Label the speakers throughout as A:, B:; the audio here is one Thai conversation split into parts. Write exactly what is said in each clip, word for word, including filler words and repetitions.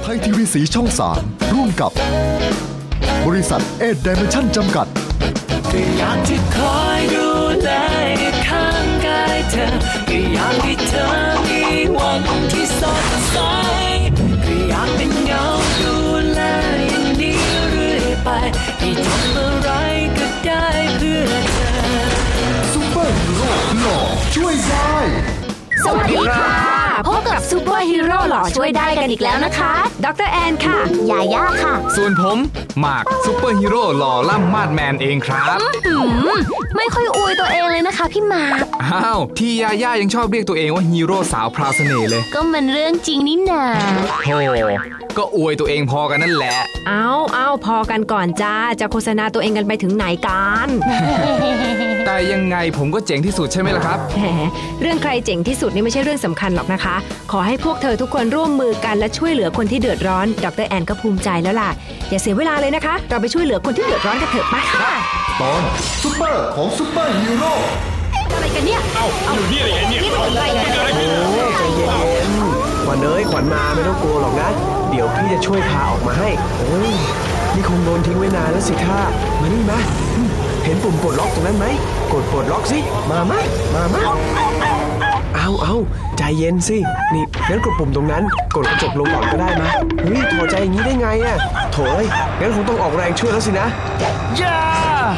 A: ทยทีวีสีช่องสามร่วมกับบริษัทเอ็ดไดเมนชั่นจำกัด
B: ก็อยากที่คอยดูแลข้างกายเธอก็อยากให้เธอมีวันที่สดใสก็อยากเป็นเงาดูแลอย่างนี้เรื่อยไปให้ทำอะไรก็ได้เพื่อเธอ
A: ซุปเปอร์ฮีโร่หล่อช่วยได้
C: สวัสดีค่ะพบกับซูเปอร์ฮีโร่หล่อช่วยได้กันอีกแล้วนะคะดรแอนค่ะยาย่าค่ะ
D: ส่วนผมหมากซูเปอร์ฮีโร่หล่อล่ำมาดแมนเองครับ
C: ไม่ค่อยอวยตัวเองเลยนะคะพี่หมาก
D: อ้าวที่ยาย่ายังชอบเรียกตัวเองว่าฮีโร่สาวพราวเสน่ห์เลย
C: ก็มันเรื่องจริงนี่นา
D: โธ่ก็อวยตัวเองพอกันนั่นแหละ
E: เอาเอาพอกันก่อนจ้าจะโฆษณาตัวเองกันไปถึงไหนกัน
D: แต่ยังไงผมก็เจ๋งที่สุดใช่ไหมล่ะครับ
E: เรื่องใครเจ๋งที่สุดนี่ไม่ใช่เรื่องสำคัญหรอกนะคะขอให้พวกเธอทุกคนร่วมมือกันและช่วยเหลือคนที่เดือดร้อนดรแอนก็ภูมิใจแล้วล่ะอย่าเสียเวลาเลยนะคะเราไปช่วยเหลือคนที่เดือดร้อนกันเถอะไปค่ะ
A: ตอนซุปเปอร์ของซุปเปอร์ฮีโร่
C: อะไรกันเนี่ย
F: เอ้าอยู่นี่อะไรเนี่ย
C: นี่เป็นอะไรกัน
G: โอ้ใจเย็นๆขวัญเอ้ยขวัญมาไม่ต้องกลัวหรอกนะเดี๋ยวพี่จะช่วยพาออกมาให้โอ้ยนี่คงโดนทิ้งไว้นานแล้วสิท่ามานี่มาเห็นปุ่มปลดล็อกตรงนั้นไหมกดปลดล็อกสิมามามามาเอาเอาใจเย็นสินี่งั้นกดปุ่มตรงนั้นกดกระจกลงก่อนก็ได้มาเฮ้ยถอดใจอย่างนี้ได้ไงอะโถ่เอ้ยงั้นคงต้องออกแรงช่วยแล้วสินะ
D: ย่า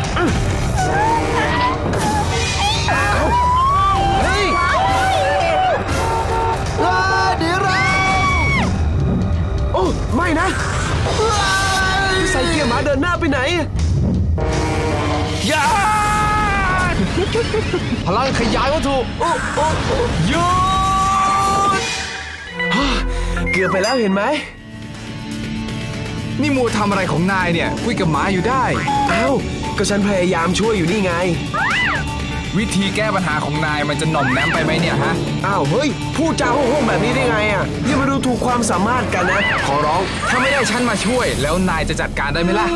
G: เอาเฮ้ยเดี๋ยวเราโอ้ไม่นะใส่เกียร์หมาเดินหน้าไปไหน
D: ย่าพลังขยายวัตถุโอ้โอ้หยุด
G: เกือบไปแล้วเห็นไหม
D: นี่มัวทำอะไรของนายเนี่ยคุยกับหมาอยู่ได้
G: เอ้าก็ฉันพยายามช่วยอยู่นี่ไง
D: วิธีแก้ปัญหาของนายมันจะหน่อมแนมไปไหมเนี่ยฮะ
G: อ้าวเฮ้ยพูดจาโห้งๆแบบนี้ได้ไงอ่ะอย่ามาดูถูกความสามารถกันนะขอร้อง
D: ถ้าไม่ได้ฉันมาช่วยแล้วนายจะจัดการได้ไหมล่ะ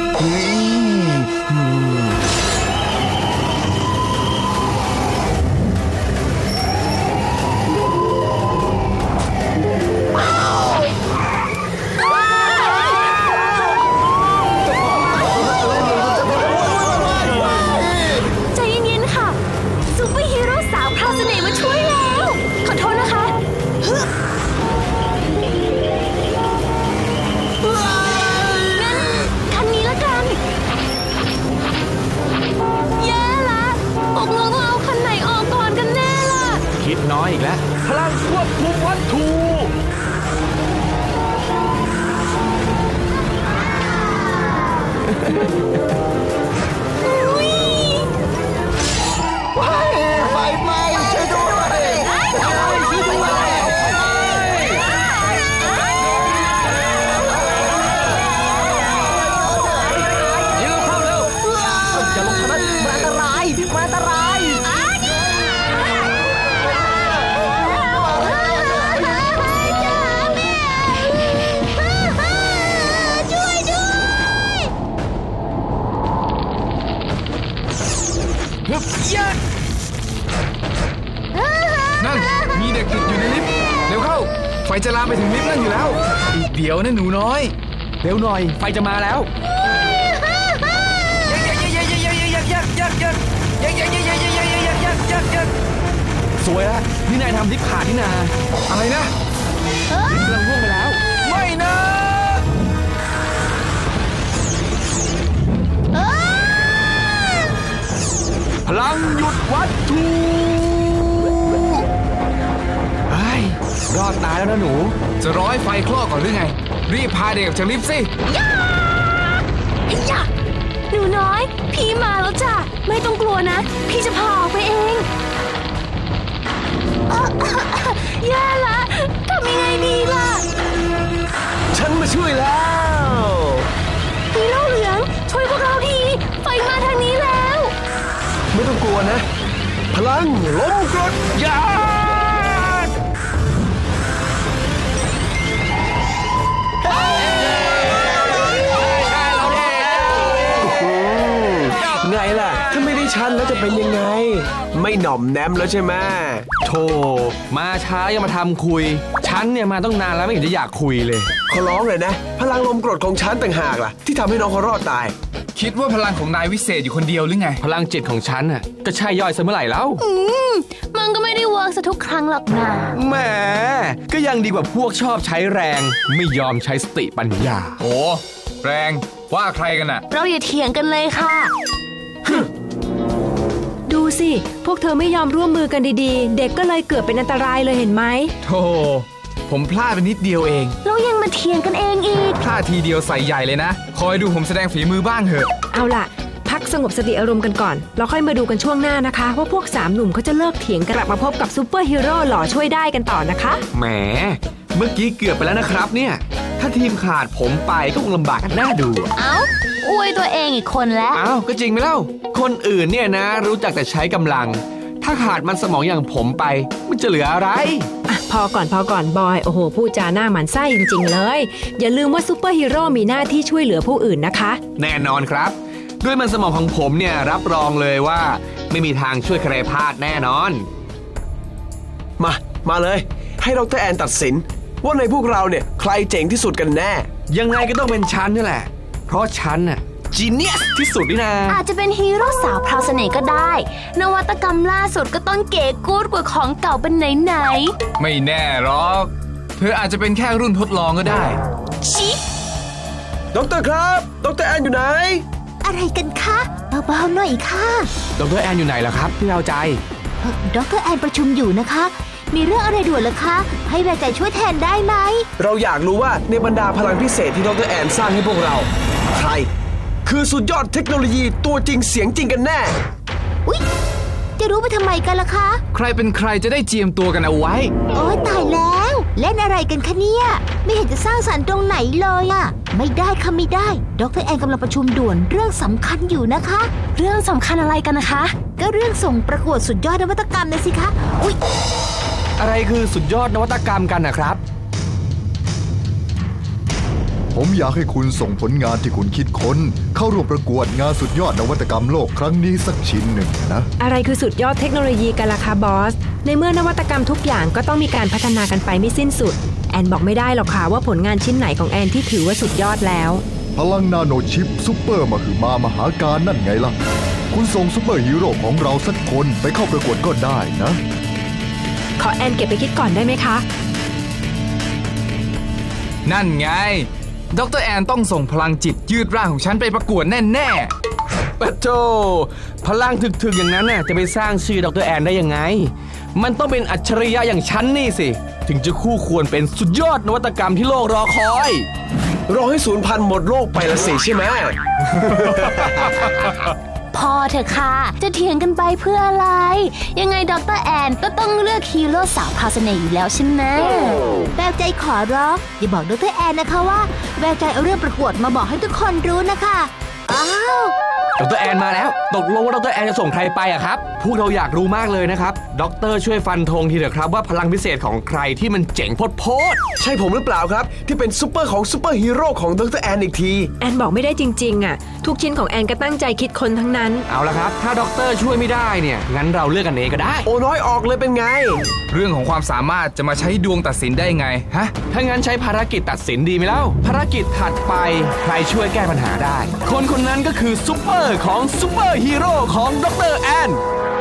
D: น้อยอีกแล้วพลังควบคุมวัตถุ
G: ว้ายไฟไหม้ช่วยด้วยช่วยด้วย
D: ยืนเข้าเร็ว
G: อย่าลงถนนมันอันตรายมันอันตราย
D: นั่นมีเด็กติดอยู่ในลิฟต์เร็วเข้าไฟจะลามไปถึงลิฟต์นั่นอยู่แล้วอีกเดี๋ยวนะหนูน้อยเร็วหน่อยไฟจะมาแล้วสวยแล้วนี่นายทำลิฟต์ขาดนี่นาอะไรนะลิฟต์กำลังร่วงไปแล้วไม่นะพลังหยุดวัตถุไอ้รอดตายแล้วนะหนูจะร้อยไฟคลอกก่อนหรือไงรีบพาเด็กออกจากลิฟต์สิ
C: ย่าย่าหนูน้อยพี่มาแล้วจ้ะไม่ต้องกลัวนะพี่จะพาออกไปเองแย่ละทำยังไงดีล่ะ
G: ฉันมาช่วยแล้ว
C: ฮีโร่เหลืองช่วยพวกเราทีไฟมาทางนี้แล้ว
G: ไม่ต้องกลัวนะพลังลมกรดยาไงล่ะถ้าไม่ได้ฉันแล้วจะเป็นยังไงไม่หน่อมแนมแล้วใช่ไหม
D: โธ่มาช้ายังมาทำคุยฉันเนี่ยมาต้องนานแล้วไม่เห็นจะอยากคุยเลย
G: ขอร้องเลยนะพลังลมกรดของฉันต่างหากล่ะที่ทำให้น้องเขารอดตาย
D: คิดว่าพลังของนายวิเศษอยู่คนเดียวหรือไง
F: พลังจิตของฉันน่ะก็ใช่ย่อยซะเมื่อไหร่แล้ว
C: อืมมันก็ไม่ได้เวิร์กซะทุกครั้งหรอกนะ
F: แหมก็ยังดีกว่าพวกชอบใช้แรงไม่ยอมใช้สติปัญญา
D: โอ้แรงว่าใครกันน่ะ
C: เราอย่าเถียงกันเลยค่ะ
E: ดูสิพวกเธอไม่ยอมร่วมมือกันดีๆเด็กก็เลยเกิดเป็นอันตรายเลยเห็นไหม
D: โธ่ผมพลาดไปนิดเดียวเอง
C: แล้วยังมาเถียงกันเองอีก
D: พลาดทีเดียวใส่ใหญ่เลยนะคอยดูผมแสดงฝีมือบ้างเถอะ
E: เอาล่ะพักสงบสติอารมณ์กันก่อนเราค่อยมาดูกันช่วงหน้านะคะว่าพวกสามหนุ่มเขาจะเลิกเถียงกลับมาพบกับซูเปอร์ฮีโร่หล่อช่วยได้กันต่อนะคะ
F: แหมเมื่อกี้เกือบไปแล้วนะครับเนี่ยถ้าทีมขาดผมไปก็คงลำบากกันน่าดู
C: เอ้าอวยตัวเองอีกคนแล้ว
F: อ้าวก็จริงไหมเล่าคนอื่นเนี่ยนะรู้จักแต่ใช้กำลังถ้าขาดมันสมองอย่างผมไปมันจะเหลืออะไร
E: อ่ะพอก่อนพอก่อนบอยโอ้โหพูดจาหน้าหมันไส้จริงๆเลยอย่าลืมว่าซูเปอร์ฮีโร่มีหน้าที่ช่วยเหลือผู้อื่นนะคะ
F: แน่นอนครับด้วยมันสมองของผมเนี่ยรับรองเลยว่าไม่มีทางช่วยใครพลาดแน่นอน
G: มามาเลยให้ดร.แอนตัดสินว่าในพวกเราเนี่ยใครเจ๋งที่สุดกันแน่
F: ยังไงก็ต้องเป็นฉันนี่แหละเพราะฉันน่ะจีเนียสที่สุดนี่นะ
C: อาจจะเป็นฮีโร่สาวพราวเสน่ห์ก็ได้นวัตกรรมล่าสุดก็ต้องเก๋กู๊ดกว่าของเก่าเป็นไหน
D: ๆไม่แน่หรอกเธออาจจะเป็นแค่รุ่นทดลองก็ได้
C: ชิ
G: ดร.ครับดร.แอนอยู่ไหน
C: อะไรกันคะเบาๆหน่อยค่ะ
F: ดร.แอนอยู่ไหนล่ะครับพี่เอาใจ
C: ดร.แอนประชุมอยู่นะคะมีเรื่องอะไรด่วนเหรอคะให้แววใจช่วยแทนได้ไหม
G: เราอยากรู้ว่าในบรรดาพลังพิเศษที่ดร.แอนสร้างให้พวกเราใครคือสุดยอดเทคโนโลยีตัวจริงเสียงจริงกันแน่
C: อุ๊ยจะรู้ไปทำไมกันล่ะคะ
D: ใครเป็นใครจะได้เจียมตัวกันเอาไว้
C: โอ๊ยตายแล้วเล่นอะไรกันคะเนี่ยไม่เห็นจะสร้างสรรค์ตรงไหนเลยอะไม่ได้ค่ะไม่ได้ดร.แอนกำลังประชุมด่วนเรื่องสำคัญอยู่นะคะเรื่องสำคัญอะไรกันนะคะก็เรื่องส่งประกวดสุดยอดนวัตกรรมนะสิคะอุ๊ย
F: อะไรคือสุดยอดนวัตกรรมกันนะครับ
A: ผมอยากให้คุณส่งผลงานที่คุณคิดค้นเข้าร่วมประกวดงานสุดยอดนวัตกรรมโลกครั้งนี้สักชิ้นหนึ่งนะ
E: อะไรคือสุดยอดเทคโนโลยีกันล่ะคะบอสในเมื่อนวัตกรรมทุกอย่างก็ต้องมีการพัฒนากันไปไม่สิ้นสุดแอนบอกไม่ได้หรอกค่ะว่าผลงานชิ้นไหนของแอนที่ถือว่าสุดยอดแล้ว
A: พลังนาโนชิปซุปเปอร์มหึมามหาการนั่นไงล่ะคุณส่งซุปเปอร์ฮีโร่ของเราสักคนไปเข้าประกวดก็ได้นะ
E: ขอแอนเก็บไปคิดก่อนได้ไหมคะ
D: นั่นไงดร.แอนต้องส่งพลังจิตยืดร่างของฉันไปประกวดแน่
F: ๆปะโธ่พลังถึกๆอย่างนั้นน่ะจะไปสร้างชื่อดร.แอนได้ยังไงมันต้องเป็นอัจฉริยะอย่างฉันนี่สิถึงจะคู่ควรเป็นสุดยอดนวัตกรรมที่โลกรอคอย
G: รอให้สูญพันธุ์หมดโลกไปละสิใช่ไหม
C: พอเถอะค่ะจะเถียงกันไปเพื่ออะไรยังไงดร.แอนก็ต้องเลือกฮีโร่สาวพราวเสน่ห์อยู่แล้วใช่ไหมแววใจขอร้องอย่าบอกดร.แอนนะคะว่าแววใจเอาเรื่องประกวดมาบอกให้ทุกคนรู้นะคะอ้าว
F: ดร.แอนมาแล้วตกลงว่าดร.แอนจะส่งใครไปอะครับพวกเราอยากรู้มากเลยนะครับด็อกเตอร์ช่วยฟันธงทีเถอะครับว่าพลังพิเศษของใครที่มันเจ๋งโพด
G: ๆใช่ผมหรือเปล่าครับที่เป็นซุปเปอร์ของซุปเปอร์ฮีโร่ของดร.แอนอีกที
E: แอนบอกไม่ได้จริงๆอะทุกชิ้นของแอนก็ตั้งใจคิดคนทั้งนั้น
F: เอาละครับถ้าด็อกเตอร์ช่วยไม่ได้เนี่ยงั้นเราเลือกกันเองก็ได้
G: โอ้น้อยออกเลยเป็นไง
D: เรื่องของความสามารถจะมาใช้ดวงตัดสินได้ไงฮะ
F: ถ้างั้นใช้ภารกิจตัดสินดีไหมเล่าภารกิจถัดไปใครช่วยแก้ปัญหาได้คนคนนั้นก็คือซุปเปอร์ของซุปเปอร์ฮีโร่ของดร.แอน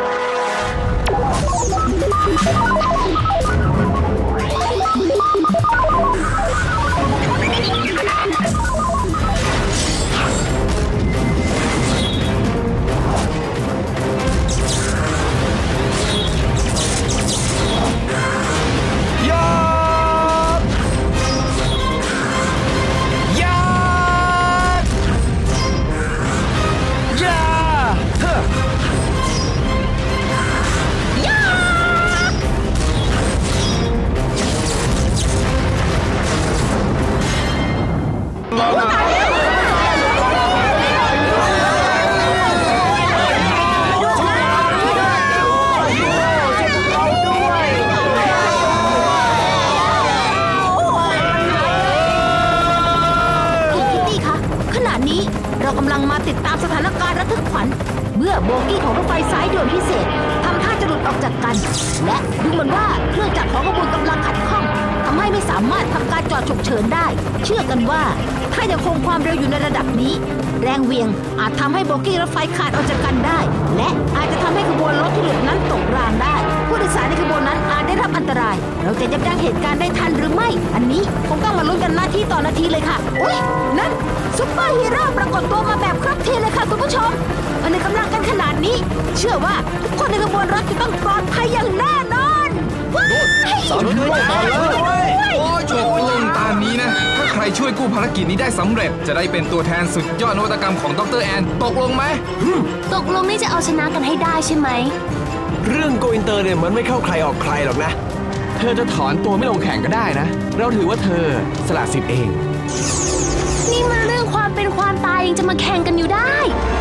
C: เรากำลังมาติดตามสถานการณ์ระทึกขวัญเมื่อโบกี้ของรถไฟสายด่วนพิเศษทำท่าจะหลุดออกจากกันและดูเหมือนว่าเครื่องจักรของขบวนกำลังขัดข้องทำให้ไม่สามารถทำการจอดฉุกเฉินได้ เชื่อกันว่าถ้ายังคงความเร็วอยู่ในระดับนี้แรงเหวี่ยงอาจทำให้โบกี้รถไฟขาดออกจากกันได้และอาจจะทำให้ขบวนรถที่หลุดนั้นตกรางได้ผู้โดยสารในขบวนนั้นอาจได้รับอันตรายเราจะยับยั้งเหตุการณ์ได้ทันหรือไม่อันนี้คงต้องมาลุ้นกันนาทีต่อนาทีเลยค่ะอุ๊ยนั่นซุปเปอร์ฮีโร่ปรากฏตัวมาแบบครบทีเลยค่ะคุณผู้ชมมันในกำลังกันขนาดนี้เชื่อว่าทุกคนในขบวนรถจะต้องปลอดภัยอย่างแน่นอน
A: สามฮีโร่มาแล้ว
D: โอ้ยจบลงตามนี้นะ ถ้าใครช่วยกู้ภารกิจนี้ได้สำเร็จจะได้เป็นตัวแทนสุดยอดนวัตกรรมของดรแอนตกลงไหม
C: ตกลงนี่จะเอาชนะกันให้ได้ใช่ไหม
G: เรื่องโกอินเตอร์เนี่ยมันไม่เข้าใครออกใครหรอกนะ
F: เธอจะถอนตัวไม่ลงแข่งก็ได้นะเราถือว่าเธอสละสิทธิ์เอง
C: นี่มาเรื่องความเป็นความตายยังจะมาแข่งกันอยู่ได้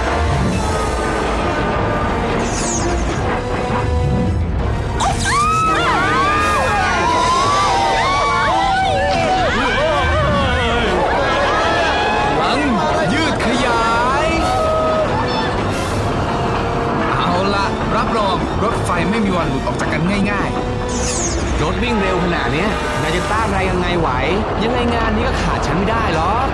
D: ยืดขยายเอาละรับรองรถไฟไม่มีวันหลุดออกจากกันง่ายๆ
F: รถวิ่งเร็วขนาดนี้นายจะต้านอะไรยังไงไหวยังไงงานนี้ก็ขาดฉันไม่ได้หรอก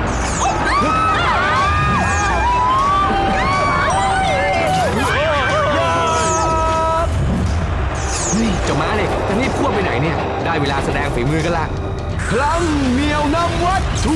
F: เฮ้ยเจ้าม้าเนี่ยจะรีบควบไปไหนเนี่ยได้เวลาแสดงฝีมือกันละพลังเหนี่ยวนำวัตถุ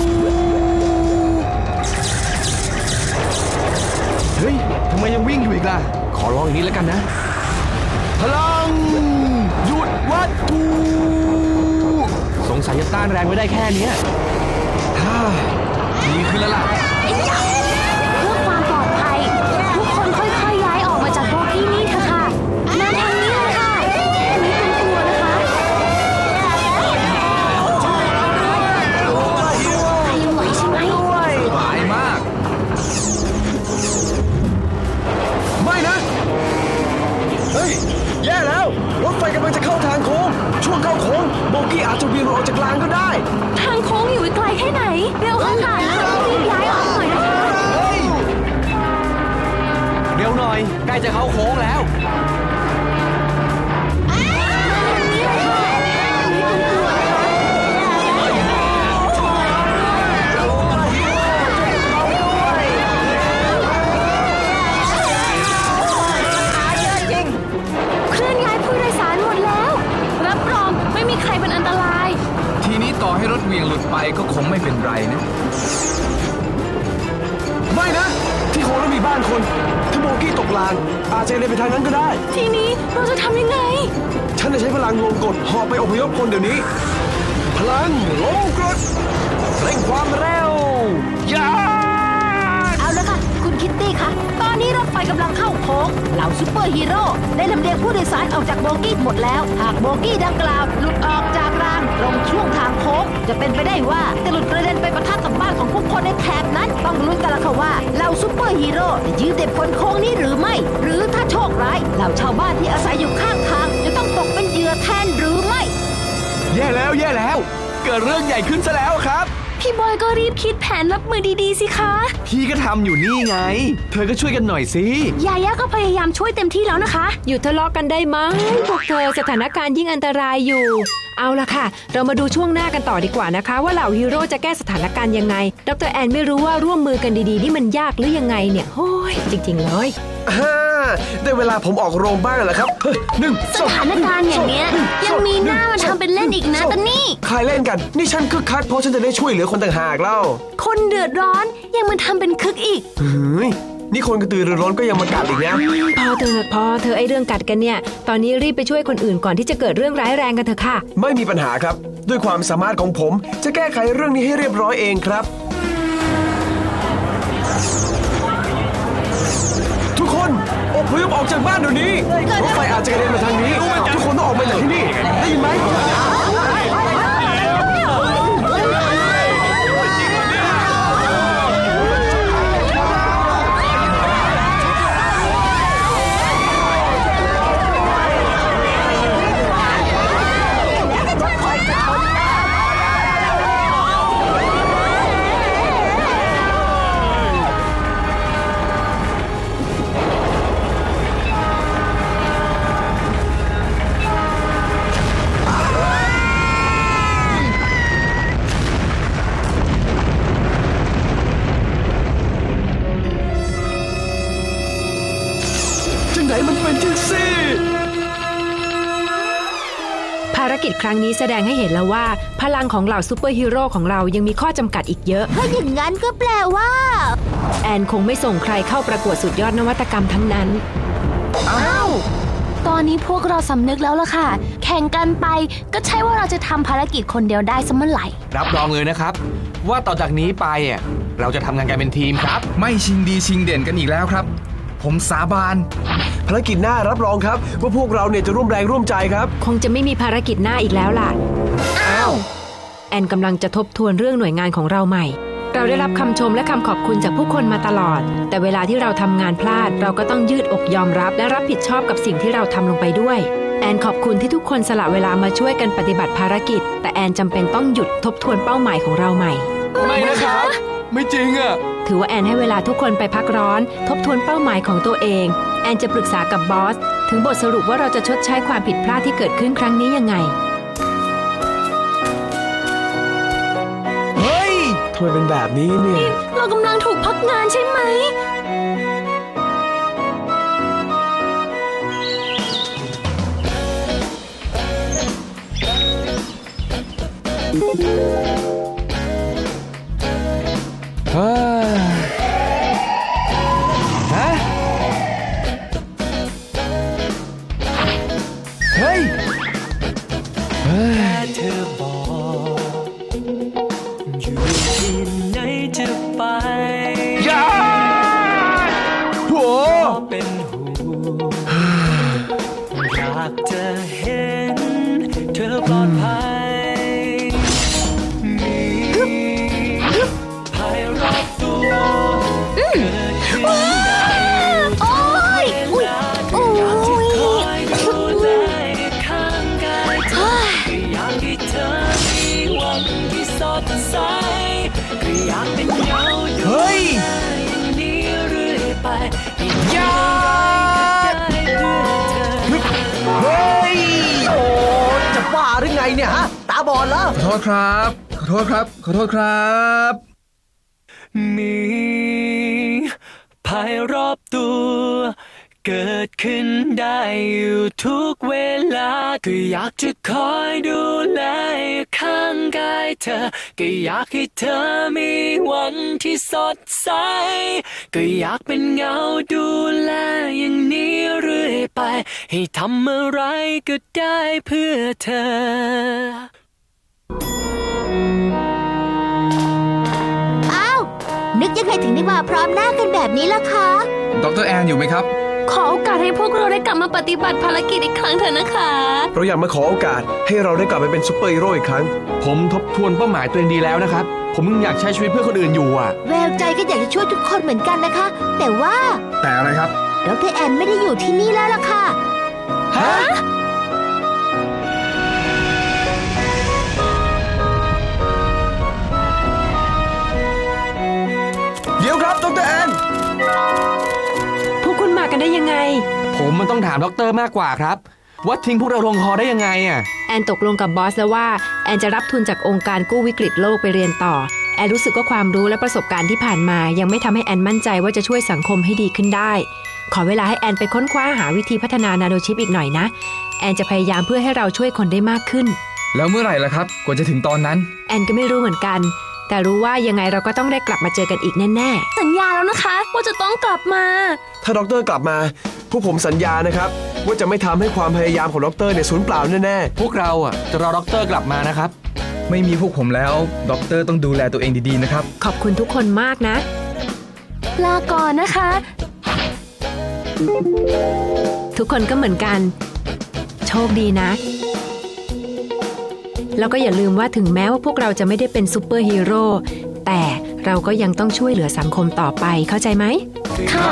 F: เฮ้ยทำไมยังวิ่งอยู่อีกล่ะขอลองอีกนิดแล้วกันนะพลังหยุดวัตถุสงสัยจะต้านแรงไม่ได้แค่นี้ฮ่าดีขึ้นแล้วล่ะ
C: เพื่อความปลอดภัยทุกคนค่อยๆย้ายออกมาจากโบกี้นี่เถอะค่ะมาทางนี้เลยค่ะนี่เป็นตัวนะคะใครยังไหวใช่ไหม
D: สบายมาก
G: ไม่นะเฮ้ยแย่แล้วรถไฟกำลังจะเข้าทางโค้งช่วงเข้าโค้งโบกี้อาจจะเวียนออกจากรางก็ได้
C: ทางโค้งอยู่ไกลแค่ไหนเร็วค่ะค่ะรีบย้ายออกหน่อยนะคะ
F: เร็วหน่อยใกล้จะเข้าโค้งแล้ว
D: ต่อให้รถเวียงหลุดไปก็คงไม่เป็นไรนะ
G: ไม่นะที่โค้งนั้นมีบ้านคนถ้าโบกี้ตกรางอาจจะเลยไปทางนั้นก็ได้
C: ทีนี้เราจะทำยังไง
G: ฉันจะใช้พลังลงกดหอบไปอพยพคนเดี๋ยวนี้พลังลงกดเร่งความเร็วยา
C: เอาละค่ะคุณคิตตี้คะตอนนี้รถไฟกำลังเข้าโค้งเหล่าซุปเปอร์ฮีโร่ได้ลำเลียงผู้โดยสารออกจากโบกี้หมดแล้วหากโบกี้ดังกล่าวหลุดออกจากรางตรงช่วงทางโค้งจะเป็นไปได้ว่าจะหลุดกระเด็นไปปะทะกับบ้านของผู้คนในแถบนั้นต้องลุ้นกันละค่ะว่าเหล่าซุปเปอร์ฮีโร่จะยืนเด็ดพ้นโค้งนี้หรือไม่หรือถ้าโชคร้ายเหล่าชาวบ้านที่อาศัยอยู่ข้างทางจะต้องตกเป็นเหยื่อแทนหรือไม่
F: แย่แล้วแย่แล้วเกิดเรื่องใหญ่ขึ้นซะแล้วครับ
C: พี่บอยก็รีบคิดแผนรับมือดีๆสิคะ
F: พี่ก็ทำอยู่นี่ไงเธอก็ช่วยกันหน่อยสิ
C: ยาย่าก็พยายามช่วยเต็มที่แล้วนะคะ
E: หยุดทะเลาะกันได้ไหมพวกเธอสถานการณ์ยิ่งอันตรายอยู่เอาล่ะค่ะเรามาดูช่วงหน้ากันต่อดีกว่านะคะว่าเหล่าฮีโร่จะแก้สถานการณ์ยังไงดรแอนไม่รู้ว่าร่วมมือกันดีๆนี่มันยากหรือยังไงเนี่ยโอ้ยจริงๆเลย
G: ฮ่าได้เวลาผมออกโรงบ้างแล้วครับหนึ่ง
C: สถานการณ์อย่างเนี้ยยังมีหน้ามาทำเป็นเล่นอีกนะตอนนี้
G: ใครเล่นกันนี่ฉันคึกคักเพราะฉันจะได้ช่วยเหลือคนต่างหากเล่า
C: คนเดือดร้อนยังมาทำเป็นคึกอีก
G: เฮ้ยนี่คนกระตือรือร้นก็ยังมากัดอีกนะ
E: พอเธอพอเธอไอเรื่องกัดกันเนี่ยตอนนี้รีบไปช่วยคนอื่นก่อนที่จะเกิดเรื่องร้ายแรงกันเถอะค่ะ
G: ไม่มีปัญหาครับด้วยความสามารถของผมจะแก้ไขเรื่องนี้ให้เรียบร้อยเองครับทุกคนอพยพออกจากบ้านเดี๋ยวนี้รถไฟอาจจะกระเด็นมาทางนี้ทุกคนต้องออกมาจากที่นี่ได้ยินไหม
E: กิจครั้งนี้แสดงให้เห็นแล้วว่าพลังของเหล่าซูเปอร์ฮีโร่ของเรายังมีข้อจำกัดอีกเยอะ
C: ถ้าอย่างนั้นก็แปลว่า
E: แอนคงไม่ส่งใครเข้าประกวดสุดยอดนวัตกรรมทั้งนั้น
C: อ้าวตอนนี้พวกเราสำนึกแล้วล่ะค่ะแข่งกันไปก็ใช่ว่าเราจะทำภารกิจคนเดียวได้เสมอไหร่
F: รับรองเลยนะครับว่าต่อจากนี้ไปอ่ะเราจะทำงานกันเป็นทีมครับ
D: ไม่ชิงดีชิงเด่นกันอีกแล้วครับผมสาบาน
G: ภารกิจหน้ารับรองครับว่าพวกเราเนี่ยจะร่วมแรงร่วมใจครับ
E: คงจะไม่มีภารกิจหน้าอีกแล้วล่ะอ้าวแอนกำลังจะทบทวนเรื่องหน่วยงานของเราใหม่เราได้รับคำชมและคำขอบคุณจากผู้คนมาตลอดแต่เวลาที่เราทำงานพลาดเราก็ต้องยืดอกยอมรับและรับผิดชอบกับสิ่งที่เราทำลงไปด้วยแอนขอบคุณที่ทุกคนสละเวลามาช่วยกันปฏิบัติภารกิจแต่แอนจำเป็นต้องหยุดทบทวนเป้าหมายของเราใหม่
F: ไม่นะครับไม่จริงอ่ะ
E: ถือว่าแอนให้เวลาทุกคนไปพักร้อนทบทวนเป้าหมายของตัวเองแอนจะปรึกษากับบอสถึงบทสรุปว่าเราจะชดใช้ความผิดพลาดที่เกิดขึ้นครั้งนี้ยังไง
G: เฮ้ยทำไมเป็นแบบนี้เนี่ย
C: เรากำลังถูกพักงานใช่ไหม
F: ฮะฮะเฮ้ยเฮ้ย
B: เธอบอกอยู่ที่ไหนจะไป
F: อย่าโห
B: เป็นห่วงอยากจะเห็นเธอปลอดภัย
F: เฮ้ยยาเฮ้ย
G: โอ้จะบ้าหรือไงเนี่ยฮะตาบอดแล้ว
D: ขอโทษครับขอโทษครับขอโทษครับ
B: มีภัยรอบตัวเกิดขึ้นได้อยู่ทุกเวลาก็อยากจะคอยดูแลข้างกายเธอก็อยากให้เธอมีวันที่สดใสก็อยากเป็นเงาดูแลอย่างนี้เรื่อยไปให้ทำอะไรก็ได้เพื่อเธอ
C: อ้าวนึกยังไงถึงได้มาพร้อมหน้ากันแบบนี้ล่ะคะ
D: ดร.แอนอยู่ไหมครับ
C: ขอโอกาสให้พวกเราได้กลับมาปฏิบัติภารกิจอีกครั้งเถอะนะคะ
G: เราอยากมาขอโอกาสให้เราได้กลับไปเป็นซุปเปอร์ฮีโร่อีกครั้ง
F: ผมทบทวนเป้าหมายตัวเองดีแล้วนะครับผมยังอยากใช้ชีวิตเพื่อคนอื่นอยู่อ่ะ
C: แววใจก็อยากจะช่วยทุกคนเหมือนกันนะคะแต่ว่า
D: แต่อะไรครับ
C: ดร.แอนไม่ได้อยู่ที่นี่แล้วล่ะค่ะ
F: ฮะ
G: เดี๋ยวครับดร.แอน
E: พวกคุณมากันได้ยังไง
F: ผมมันต้องถามด็อกเตอร์มากกว่าครับว่าทิ้งพวกเราลงคอได้ยังไงอ่ะ
E: แอนตกลงกับบอสแล้วว่าแอนจะรับทุนจากองค์การกู้วิกฤตโลกไปเรียนต่อแอนรู้สึกว่าความรู้และประสบการณ์ที่ผ่านมายังไม่ทำให้แอนมั่นใจว่าจะช่วยสังคมให้ดีขึ้นได้ขอเวลาให้แอนไปค้นคว้าหาวิธีพัฒนานาโนชิปอีกหน่อยนะแอนจะพยายามเพื่อให้เราช่วยคนได้มากขึ้น
D: แล้วเมื่อไหร่ล่ะครับกว่าจะถึงตอนนั้น
E: แอนก็ไม่รู้เหมือนกันแต่รู้ว่ายังไงเราก็ต้องได้กลับมาเจอกันอีกแน่
C: ๆสัญญาแล้วนะคะว่าจะต้องกลับมา
G: ถ้าด็อกเตอร์กลับมาพวกผมสัญญานะครับว่าจะไม่ทำให้ความพยายามของด็อกเตอร์เนี่ยสูญเปล่าแน่
F: ๆพวกเราอ่ะจะรอด็อกเตอร์กลับมานะครับ
D: ไม่มีพวกผมแล้วด็อกเตอร์ต้องดูแลตัวเองดีๆนะครับ
E: ขอบคุณทุกคนมากนะ
C: ลาก่อนนะคะ
E: ทุกคนก็เหมือนกันโชคดีนะแล้วก็อย่าลืมว่าถึงแม้ว่าพวกเราจะไม่ได้เป็นซูเปอร์ฮีโร่แต่เราก็ยังต้องช่วยเหลือสังคมต่อไปเข้าใจไหม
C: ค่ะ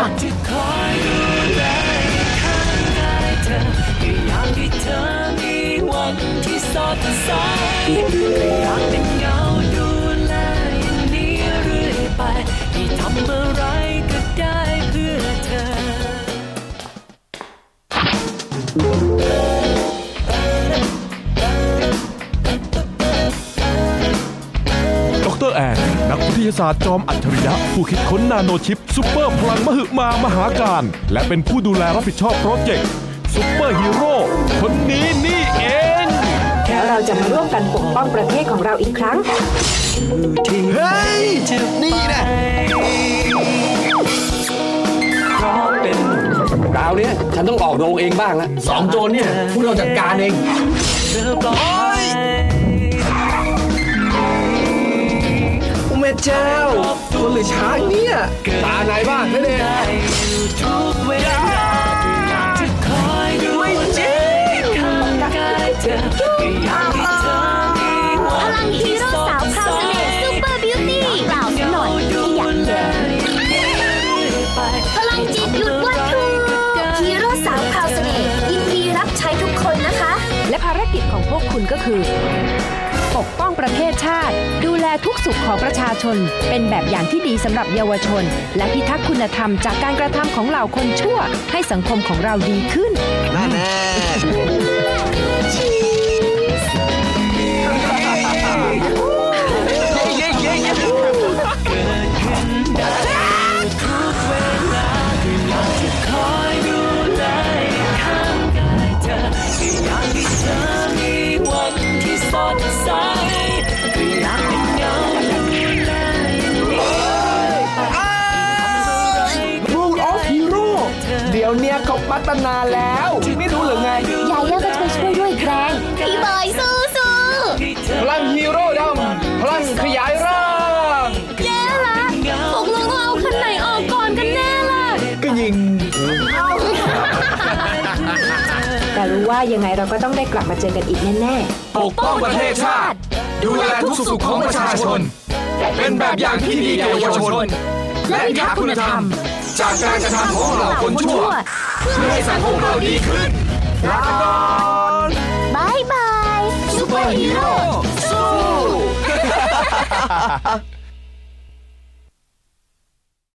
H: ดร.แอนนักวิทยาศาสตร์จอมอัจฉริยะผู้คิดค้นนาโนชิปซุปเปอร์พลังมหึมามหาการและเป็นผู้ดูแลรับผิดชอบโปรเจกต์ซุปเปอร์ฮีโร่คนนี้นี่เอง
B: แค่
E: แล้วเราจะมาร่วมกันปกป้องประเทศของเราอีกครั้ง
F: เฮ้ย นี่นะคราวนี้ฉันต้องออกโรงเองบ้างละสองโจรเนี่ยพวกเราจัดการเองโอ้แม่เจ้าคนหรือช้างเนี่ยตาไหนบ้างนั่นเองไม่จริง
C: พลังฮีโร่สาวพราวเสน่ห์ซูเปอร์บิวตี้เปล่าสักหน่อยที่อยากแย่พลังจิตหยุดวัตถุฮีโร่สาวพราวเสน่ห์ยินดีรับใช้ทุกคนนะคะ
E: และภารกิจของพวกคุณก็คือ ปกป้องประเทศชาติ ดูแลทุกสุขของประชาชน เป็นแบบอย่างที่ดีสำหรับเยาวชน และพิทักษ์คุณธรรมจากการกระทำของเหล่าคนชั่ว ให้สังคมของเราดีขึ้น
F: นั่นแน่เดี๋ยวเนี้ยเขาพัฒนาแล้วไม่รู้หรือไง
C: ยาย่าก็จะไปช่วยด้วยแรงพี่บอยสู้สู้
F: พลังฮีโร่ดำพลังขยายร่าง
C: แย่ละตกลงเอาคันไหนออกก่อนกันแน่ล่ะ
F: ก็ยิง
E: แต่รู้ว่ายังไงเราก็ต้องได้กลับมาเจอกันอีกแน่ๆ
D: ปกป้องประเทศชาติ ดูแลทุกสุขของประชาชน เป็นแบบอย่างที่ดีแก่เยาวชน และพิทักษ์คุณธรรม จากการกระทำของเหล่าคนชั่ว เพื่อให้สังคมเราดีขึ้นลาก่อน
C: บายบาย
D: ซุปเปอร์ฮีโร่สู้